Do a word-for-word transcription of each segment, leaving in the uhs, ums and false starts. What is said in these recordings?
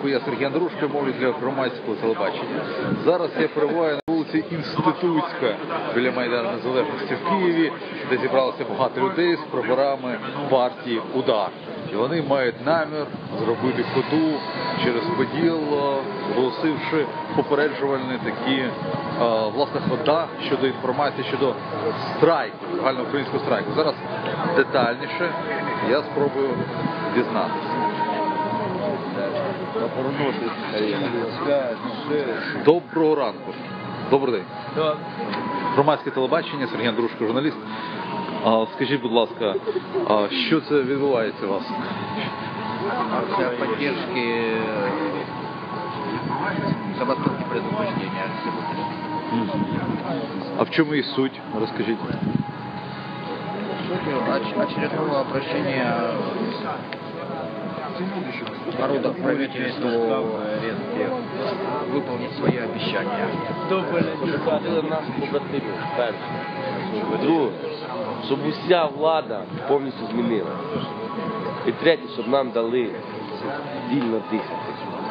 ранку, я Сергій Андрушко, мовлю для громадського телебачення. Зараз я перебуваю на вулиці Інститутська біля Майдану Незалежності в Києві, де зібралося багато людей з прапорами партії «Удар». І вони мають намір зробити ходу через Поділ, оголосивши попереджувальні такі, власне, хода щодо інформації, щодо страйку, загальноукраїнського страйку. Зараз детальніше я спробую дізнатися. Доброго ранку. Добрий день. Громадське телебачення, Сергій Андрушко, журналіст. Скажіть, будь ласка, що це відбувається у вас? Акция поддержки забастовки предупреждения. А в чому її суть? Розкажіть. Суть очередного обращения народа к правительству выполнить свои обещания. Нас побратимів, перше. Друге, щоб уся влада повністю змінила. І третє, щоб нам дали вільно дихати.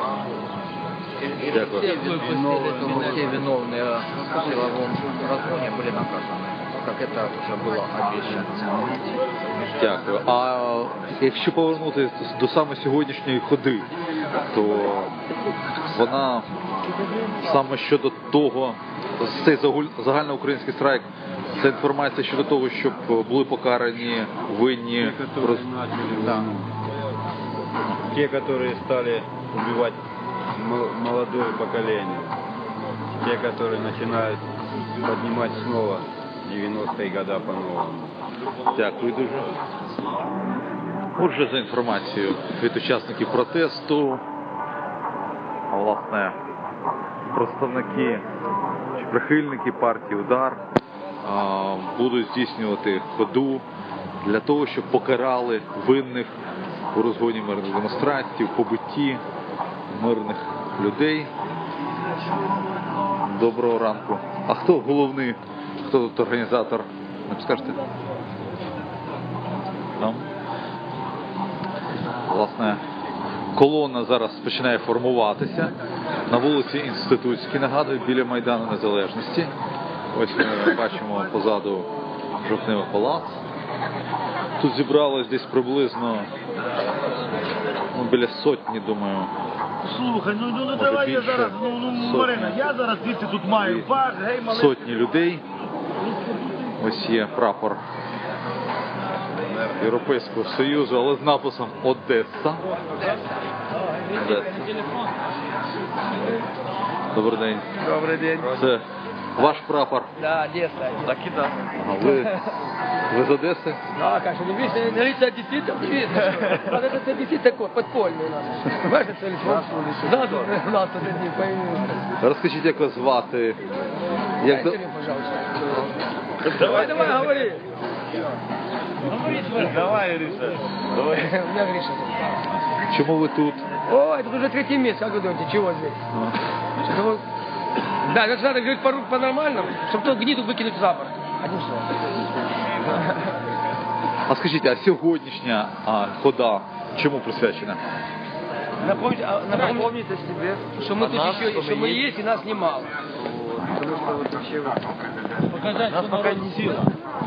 Все виновные в силовом разгоне были наказаны, как это уже было обещано. Дякую. А якщо повернутися до саме сьогоднішньої ходи, то вона саме щодо того, цей загальноукраїнський страйк, це інформація щодо того, щоб були покарані винні. Да. Те, которые стали убивать молодое поколение, те, которые начинают поднимать снова девяностые года по-новому. Дякую дуже. Отже, за інформацією від учасників протесту, а власне, представники чи прихильники партії «Удар» будуть здійснювати ходу для того, щоб покарали винних у розгоні мирних демонстрацій, у побитті мирних людей. Доброго ранку. А хто головний, хто тут організатор? Не скажете? Там. Власне, колона зараз починає формуватися на вулиці Інститутській, нагадую, біля Майдану Незалежності. Ось ми бачимо позаду Жовтневий палац. Тут зібралось десь приблизно ну, біля сотні, думаю. Слухай, ну, ну, ну давай я зараз, ну, ну Марина, я зараз звідси тут маю пар, гей, малий. Сотні людей. Ось є прапор Європейського Союзу, але з написом Одеса. Одеса. Добрий день. Добрый день. Це ваш прапор? Да, Одесса. Так и да. А ви, ви з Одеси? Да, конечно, не видишь, на лице одесситов не видно. Вот этот одессит такой, подпольный у нас. Понимаешь, это телефон? Да, да, у нас тут одни появились. Розкажіть, як вас звати? Як до... пожалуйста. Давай, давай, говори. Давай, Гриша. Давай. У меня Гриша зовут. Чому ви тут? Ой, это уже третий месяц, как вы думаете, чего здесь? Что-то вот... Да, значит, надо говорить по- по-нормальному, чтобы ту гниду выкинуть за борт. Одним словом. А скажіть, а сьогоднішня а, хода чому присвячена? Напомните, а, напомните о себе, что мы тут еще, что мы есть и нас немало. Потому что вот вообще вот... Показать, Нас что пока народ не сила.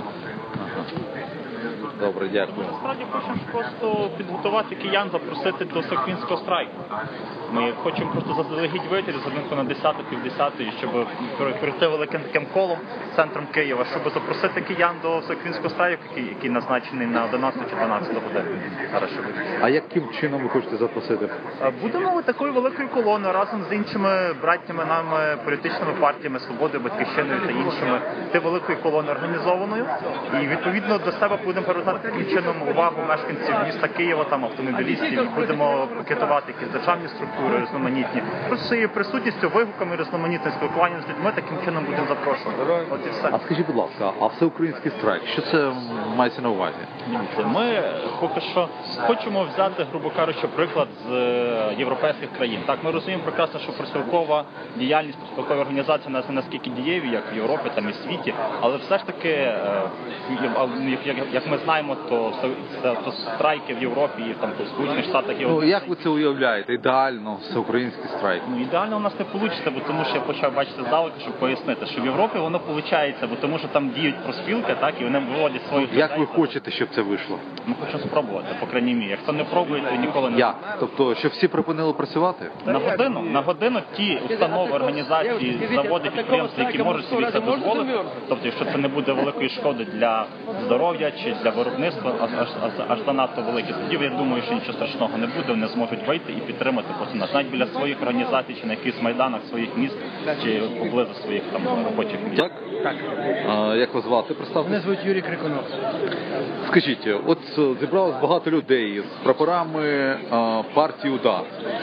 Добре, дякую. Насправді хочемо просто підготувати киян, запросити до всеукраїнського страйку. Ми хочемо просто заздалегідь вийти з ринку на десяту, півдесятої, щоб пройти великим таким колом центром Києва, щоб запросити киян до всеукраїнського страйку, який, який назначений на одинадцяту чи дванадцяту годину. Зараз щоб... А яким чином ви хочете запросити? Будемо такою великою колоною разом з іншими братніми нами політичними партіями «Свободою», «Батьківщиною» та іншими. Ти великою колоною організованою і відповідно до себе будемо привертати таким чином увагу мешканців міста Києва, там автомобілістів, будемо пакетувати якісь державні структури різноманітні. Просто своєю присутністю, вигуками, різноманітним спілкуванням з людьми таким чином будемо запрошувати. От і все. А скажіть, будь ласка, а всеукраїнський страйк, що це мається на увазі? Ми поки що хочемо взяти, грубо кажучи, приклад з європейських країн. Так, ми розуміємо прекрасно, що профспілкова діяльність, профспілкова організація нас не наскільки дієві, як в Європі, там і в світі, але все ж таки, як ми знаємо, знаємо, то, це, то страйки в Європі і там, в Сполучених Штатах є. Ну, один. як ви це уявляєте? Ідеально, всеукраїнський страйк. Ну, ідеально у нас не вийде, бо тому що я почав бачити здалека, щоб пояснити, що в Європі воно виходить, бо тому що там діють профспілки, так, і вони виводять своїх Як людей. ви хочете, щоб це вийшло? Ми хочемо спробувати, по крайній мірі. Як хто не пробує, то ніколи не Як? Тобто, щоб всі припинили працювати? На годину, на годину ті установи, організації, заводи, підприємства, які можуть собі це дозволити, тобто, якщо це не буде великої шкоди для здоров'я чи для виробництва, аж, аж, аж, аж занадто великі, тоді я думаю, що нічого страшного не буде, вони зможуть вийти і підтримати потім нас, навіть біля своїх організацій, чи на якихось майданах своїх міст, чи поблизу своїх там робочих місць. Так? Так. А, як вас звати? Представте. Мене звуть Юрій Крикунов. Скажіть, от зібралось багато людей з прапорами а, партії УДАР.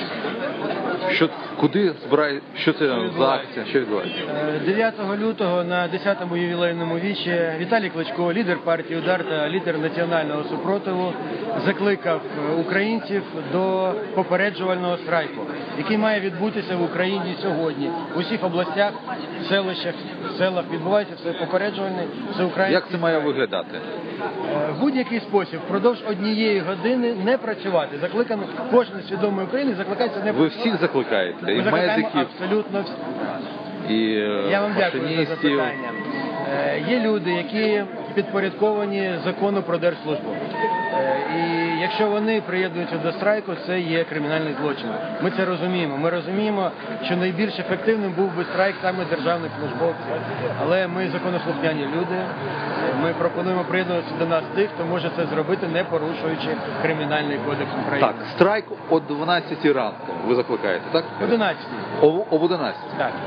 Що, куди збирає, що це за акція, що відбувається? дев'ятого лютого на десятому ювілейному вічі Віталій Кличко, лідер партії «Удар» та лідер національного супротиву, закликав українців до попереджувального страйку, який має відбутися в Україні сьогодні. У всіх областях, селищах, селах відбувається все попереджувальний всеукраїнський. Як це має виглядати? В будь-який спосіб впродовж однієї години не працювати. Закликано кожен свідомий України закликається не Ви працювати. всіх закликаєте? І Ми закликаємо медиків, абсолютно всі. і Я вам дякую за машиністів. запитання. Е, Є люди, які підпорядковані закону про держслужбу. Е, І якщо вони приєднуються до страйку, це є кримінальний злочин. Ми це розуміємо. Ми розуміємо, що найбільш ефективним був би страйк саме державних службовців. Але ми законослухняні люди. Ми пропонуємо приєднуватися до нас тих, хто може це зробити, не порушуючи Кримінальний кодекс України. Так, страйк о дванадцятій ранку ви закликаєте, так? одинадцятий. О, об одинадцятій. Так.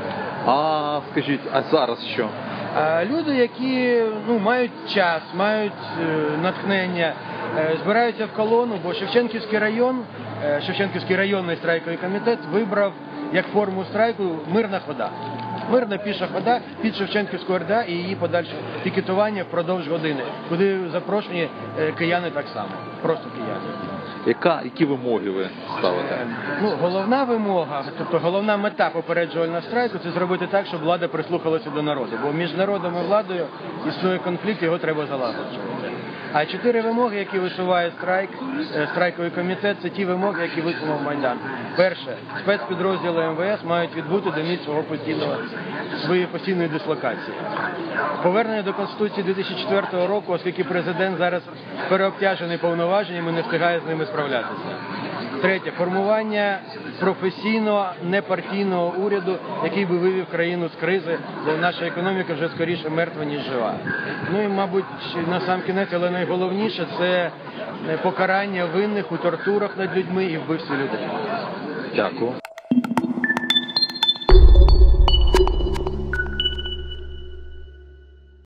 А скажіть, а зараз що? А люди, які ну, мають час, мають е, натхнення, е, збираються в колону, бо Шевченківський район, е, Шевченківський районний страйковий комітет вибрав як форму страйку мирна хода. Мирна піша хода під Шевченківську РДА і її подальше пікетування впродовж години, куди запрошені е, кияни так само, просто кияни. Яка, які вимоги ви ставите? Ну, головна вимога, тобто головна мета попереджувального страйку – це зробити так, щоб влада прислухалася до народу. Бо між народом і владою існує конфлікт, його треба залагоджувати. А чотири вимоги, які висуває страйк, е, страйковий комітет, це ті вимоги, які висунув Майдан. Перше, спецпідрозділи ем ве ес мають відбути до місць свого постійного, своєї постійної дислокації. Повернення до Конституції дві тисячі четвертого року, оскільки президент зараз переобтяжений повноваженнями, не встигає з ними справлятися. Третє, формування професійного, непартійного уряду, який би вивів країну з кризи, де наша економіка вже скоріше мертва, ніж жива. Ну і, мабуть, на сам кінець, але найголовніше, це покарання винних у тортурах над людьми і вбивстві людей. Дякую.